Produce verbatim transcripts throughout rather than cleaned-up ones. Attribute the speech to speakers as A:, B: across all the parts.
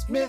A: Smith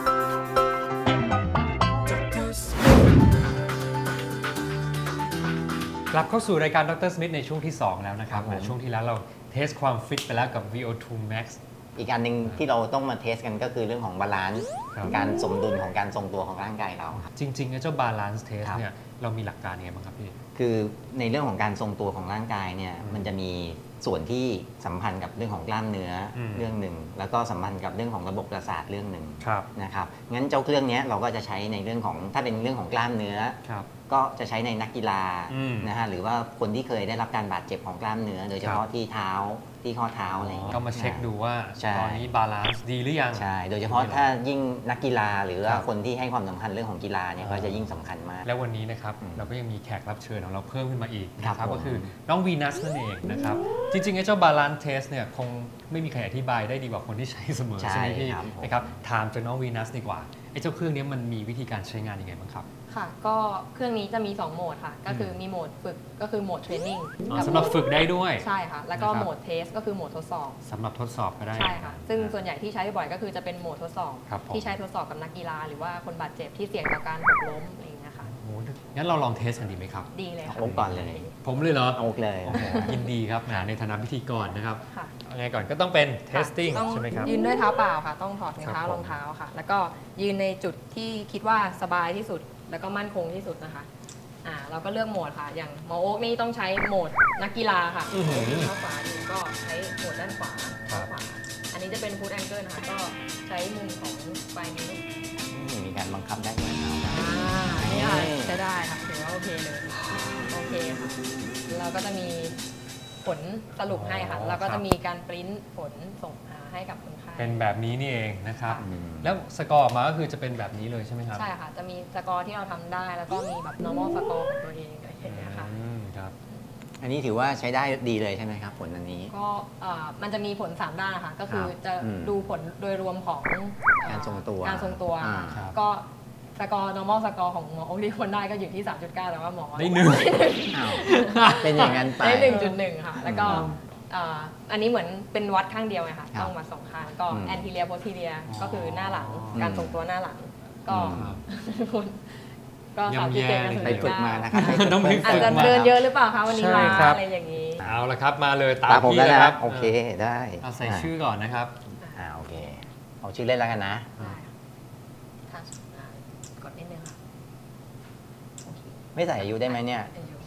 B: กลับเข้าสู่รายการดรสมิธในช่วงที่สองแล้วนะครับช่วงที่แล้วเราเทสความฟิตไปแล้วกับ วี โอ ทู Max
C: อีกอันหนึ่งที่เราต้องมาเทสกันก็คือเรื่องของบาลานซ์การสมดุลของการทรงตัวของร่างกายเราครับ
B: จริงๆไอ้เจ้า Balance Test เนี่ยเรามีหลักการยังไงบ้างครับพี่
C: คือในเรื่องของการทรงตัวของร่างกายเนี่ยมันจะมีส่วนที่สัมพันธ์กับเรื่องของกล้ามเนื้อเรื่องหนึ่งแล้วก็สัมพันธ์กับเรื่องของระบบประสาทเรื่องหนึ่งนะครับงั้นเจ้าเครื่องนี้เราก็จะใช้ในเรื่องของถ้าเป็นเรื่องของกล้ามเนื้อก็จะใช้ในนักกีฬานะฮะหรือว่าคนที่เคยได้รับการบาดเจ็บของกล้ามเนื้อโดยเฉพาะที่เท้าที่ข้อเท้าอะไรอย่างเงี้ย
B: ก็มาเช็คดูว่าตอนนี้บาลานซ์ดีหรือยัง
C: ใช่โดยเฉพาะถ้ายิ่งนักกีฬาหรือว่าคนที่ให้ความสำคัญเรื่องของกีฬาเนี่ยก็จะยิ่งสำคัญมาก
B: แล้ววันนี้นะครับเราก็ยังมีแขกรับเชิญของเราเพิ่มขึ้นมาอีกนะครับก็คือน้องวีนัสนั่นเองนะครับจริงๆไอ้เจ้าบาลานซ์เทสเนี่ยคงไม่มีใครอธิบายได้ดีกว่าคนที่ใช้เสมอใช่ไหมพี่นะครับถามจากน้องวีนัสดีกว่าไอ้เจ้าเครื่องนี้มันมีวิธีการใช้งานยังไงบ้างครับ
D: ค่ะก็เครื่องนี้จะมีสองโหมดค่ะก็คือมีโหมดฝึกก็คือโหมดเทรนนิ่ง
B: สำหรับฝึกได้ด้วย
D: ใช่ค่ะแล้วก็โหมดเทสก็คือโหมดทดสอบ
B: สำหรับทดสอบก็ได้
D: ใช่ค่ะซึ่งส่วนใหญ่ที่ใช้บ่อยก็คือจะเป็นโหมดทดสอบที่ใช้ทดสอบกับนักกีฬาหรือว่าคนบาดเจ็บที่เสี่ยงต่อการหกล้มอะไรอย่างเงี้ยค่ะ
B: โอ้งั้นเราลองเทสกันดีไหมครับ
D: ดีเลยค่ะ
C: โอ๊กก่อนเลย
B: ผมเลยเหรอ
C: โอ๊กเลย
B: ยินดีครับในฐานะพิธีกรนะครับยังไงก่อนก็ต้องเป็น testing ใช่ไหมครับ
D: ยืนด้วยเท้าเปล่าค่ะต้องถอดถุงเท้ารองเท้าค่ะแล้วก็ยืนในจุดที่คิดว่าสบายที่สุดแล้วก็มั่นคงที่สุดนะคะอ่าเราก็เลือกโหมดค่ะอย่างหมอโอ๊กนี่ต้องใช้โหมดนักกีฬาค่ะเท้าขวายืนก็ใช้โหมดด้านขวาเท้าขวาอันนี้จะเป็นฟู้ดแองเกิลนะคะก็ใช้มุมของปลายนิ้ว
C: มีการบังคับได้ด้วยเท้า
D: อ่านี่ค่ะใช้ได้ค่ะถือว่าโอเคเลยโอเคค่ะเราก็จะมีผลสรุปให้ค่ะแล้วก็จะมีการปริ้นผลส่งให้กับคนไข้
B: เป็นแบบนี้นี่เองนะครับแล้วสกอร์ออกมาก็คือจะเป็นแบบนี้เลยใช่ไหมครับ
D: ใช่ค่ะจะมีสกอร์ที่เราทำได้แล้วก็มีแบบ normal สกอร์ของตัวเองอะไรอย่างเงี้ยค่ะ
C: ครับอันนี้ถือว่าใช้ได้ดีเลยใช่ไหมครับผลอันนี้
D: ก็มันจะมีผลสามด้านนะคะก็คือจะดูผลโดยรวมของ
C: การทรงตัว
D: การทรงตัวก็สกอร์ normal สกอร์ของหมอโอ๊คที่คนได้ก็อยู่ที่ สามจุดเก้า แต่ว่าหมอ
B: ได้หนึ่ง
C: เป็นอย่างนั้นไป
D: ได้ หนึ่งจุดหนึ่ง ค่ะแล้วก็อันนี้เหมือนเป็นวัดข้างเดียวไงค่ะต้องวัดสองข้างก็ anterior posterior ก็คือหน้าหลังการทรงตัวหน้าหลังก็ก็สามจุดเจ็ด
C: ไปฝึกมานะครับ
D: อาจจะเดินเยอะหรือเปล่าคะวันนี้มาอะไรอย่างนี้
B: เอาละครับมาเลยตาม
C: พี่
B: แล้วครับ
C: โอเคได้
B: เอาใส่ชื่อก่อนนะครับ
C: อ่าโอเคเอาชื่อเล่นแล้วกันนะ
D: กดนิดนึงค่ะ
C: ไม่ใส่อายุได้ไหมเนี่ย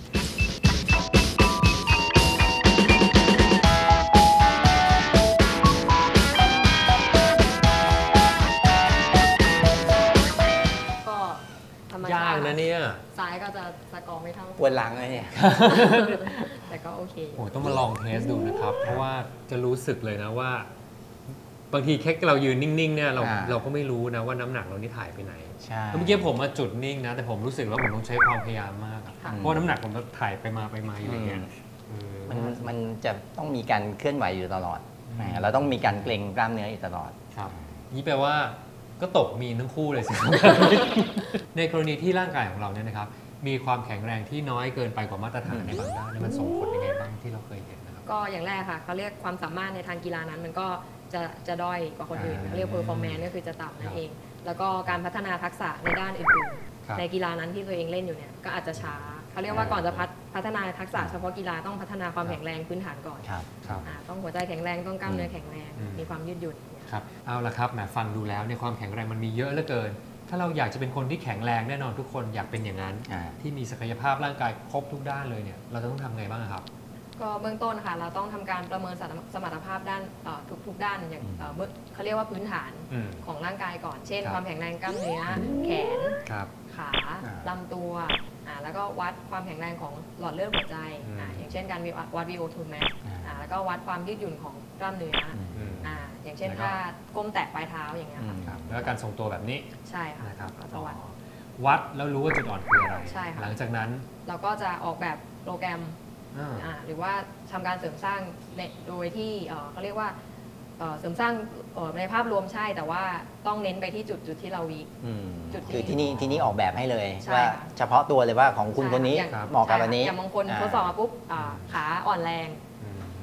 B: ยากนะเนี่ย
D: ซ้ายก็จะสกอร์ไม่เท่า
C: ปวดหลังเลยเนี่ย
D: แต่ก็โอเค
B: โอ้ต้องมาลองเทสดูนะครับเพราะว่าจะรู้สึกเลยนะว่าบางทีแค่เรายืนนิ่งๆเนี่ยเราเราก็ไม่รู้นะว่าน้ำหนักเรานี่ถ่ายไปไหน
C: ใช่
B: เมื่อกี้ผมมาจุดนิ่งนะแต่ผมรู้สึกว่าผมต้องใช้ความพยายามมากเพราะน้ำหนักผมต้องถ่ายไปมาไปมาอยู่อย่างเงี้ย
C: มันมันจะต้องมีการเคลื่อนไหวอยู่ตลอดเราต้องมีการเกร็งกล้ามเนื้ออยู่ตลอด
B: ครับนี่แปลว่าก็ตกมีทั้งคู่เลยสิในกรณีที่ร่างกายของเราเนี่ยนะครับมีความแข็งแรงที่น้อยเกินไปกว่ามาตรฐานในบางด้านมันส่งผลยังไงบ้างที่เราเคยเห็นนะครับ
D: ก็อย่างแรกค่ะเขาเรียกความสามารถในทางกีฬานั้นมันก็จะจะด้อยกว่าคนอื่นเขาเรียก performance ก็คือจะต่ำนั่นเองแล้วก็การพัฒนาทักษะในด้านอื่นๆในกีฬานั้นที่ตัวเองเล่นอยู่เนี่ยก็อาจจะช้าเขาเรียกว่าก่อนจะพัฒนาทักษะเฉพาะกีฬาต้องพัฒนาความแข็งแรงพื้นฐานก่อนต้องหัวใจแข็งแรงต้องกล้ามเนื้อแข็งแรงมีความยืดหยุ่น
B: ครับเอาละครับแหมฟังดูแล้วในความแข็งแรงมันมีเยอะเหลือเกินถ้าเราอยากจะเป็นคนที่แข็งแรงแน่นอนทุกคนอยากเป็นอย่างนั้นที่มีศักยภาพร่างกายครบทุกด้านเลยเนี่ยเราจะต้องทำไงบ้างครับ
D: ก็เบื้องต้นค่ะเราต้องทำการประเมินสมรรถภาพด้านทุกๆด้านอย่างเขาเรียกว่าพื้นฐานของร่างกายก่อนเช่นความแข็งแรงกล้ามเนื้อแขนขาลำตัวแล้วก็วัดความแข็งแรงของหลอดเลือดหัวใจอย่างเช่นการวัด วี โอ ทู Max แล้วก็วัดความยืดหยุ่นของกล้ามเนื้ออย่างเช่นถ้าก้มแตะปลายเท้าอย่างเงี้ย
B: ค่ะแล้วการทรงตัวแบบนี้
D: ใช่ค่ะ
B: ก็จะวัดวัดแล้วรู้ว่าจุดอ่อนคืออะไร
D: ใช่ค่ะ
B: หลังจากนั้น
D: เราก็จะออกแบบโปรแกรมหรือว่าทำการเสริมสร้างโดยที่เขาเรียกว่าเสริมสร้างในภาพรวมใช่แต่ว่าต้องเน้นไปที่จุดจุดที่เราวี
C: จุดคือที่นี่ที่นี่ออกแบบให้เลยว่าเฉพาะตัวเลยว่าของคุณคนนี้เหมาะกับอันนี้
D: อย่างบางคนทดสอบปุ๊บขาอ่อนแรง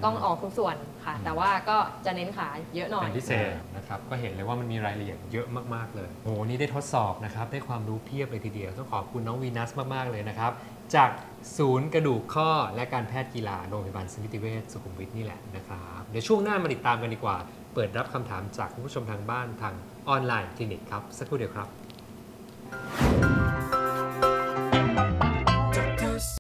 D: ต้องออกทุกส่วนค่ะแต่ว่าก็จะเน้นขาเยอะหน่อย
B: เป็นพิเศษนะครับก็เห็นเลยว่ามันมีรายละเอียดเยอะมากๆเลยโอ้โหนี่ได้ทดสอบนะครับได้ความรู้เพียบเลยทีเดียวต้องขอบคุณน้องวีนัสมากๆเลยนะครับจากศูนย์กระดูกข้อและการแพทย์กีฬาโรงพยาบาลสมิติเวชสุขุมวิทนี่แหละนะครับเดี๋ยวช่วงหน้ามาติดตามกันดีกว่าเปิดรับคำถามจากคุณผู้ชมทางบ้านทางออนไลน์คลินิกครับสักครู่เดียวครับ